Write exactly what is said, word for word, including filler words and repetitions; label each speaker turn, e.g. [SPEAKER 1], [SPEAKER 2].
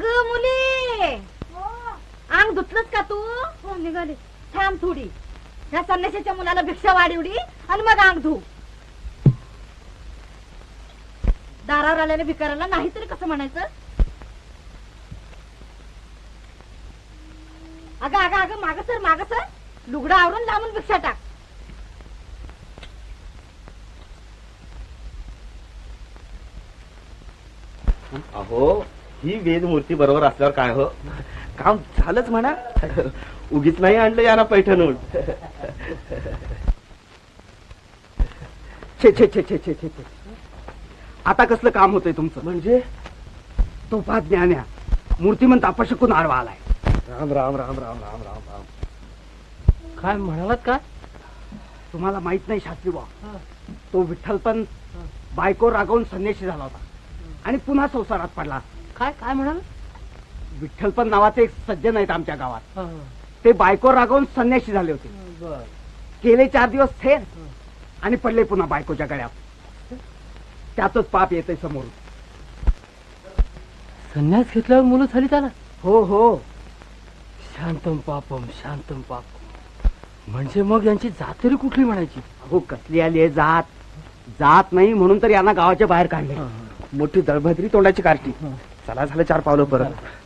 [SPEAKER 1] अग मुली, अंग धुतलंच का तू? हो निघाली. थांब थोडी, ह्या संन्याशाच्या मुलाला भिक्षा वाढवली आणि मग अंग धू. दारावर आलेल्या भिकाऱ्याला नाहीतरी कसं म्हणायचं? अगं अगं अगं माग सर माग सर, लुगडं आवरून लांबून भिक्षा टाक.
[SPEAKER 2] अहो ही वेदमूर्ती बरोबर असल्यावर काय हो, काम झालंच म्हणा. उगीच नाही आणलं याना पैठणून.
[SPEAKER 3] छे छे छे छे छे छे छे. आता कसलं काम होतंय तुमचं?
[SPEAKER 2] म्हणजे
[SPEAKER 3] तो पा ज्ञान्या मूर्तिमंत अपशकून आडवा आलाय.
[SPEAKER 2] राम राम राम राम राम राम राम.
[SPEAKER 4] काय म्हणालात का?
[SPEAKER 3] तुम्हाला माहित नाही शास्त्री बा, तो विठ्ठल पण बायको रागवून संन्याशी झाला होता आणि पुन्हा संसारात पडला.
[SPEAKER 4] काय काय म्हणाल?
[SPEAKER 3] विठ्ठल पण नावाचे एक सज्जन आहेत आमच्या गावात, ते बायको रागवून संन्याशी झाले होते. गेले चार दिवस थेर आणि पडले पुन्हा बायकोच्या गळ्यात. त्यातच पाप येते समोर.
[SPEAKER 4] संन्यास घेतल्यावर मुलं झाली त्याला?
[SPEAKER 3] हो हो.
[SPEAKER 4] शांतम पापम शांतम पापम. म्हणजे मग यांची जात तरी कुठली म्हणायची?
[SPEAKER 3] हो कसली आली आहे जात? जात नाही म्हणून तर यांना गावाच्या बाहेर काढले.
[SPEAKER 2] मोठी दळभद्री तोंडाची कार्टी. चला झालं चार पावलं परत.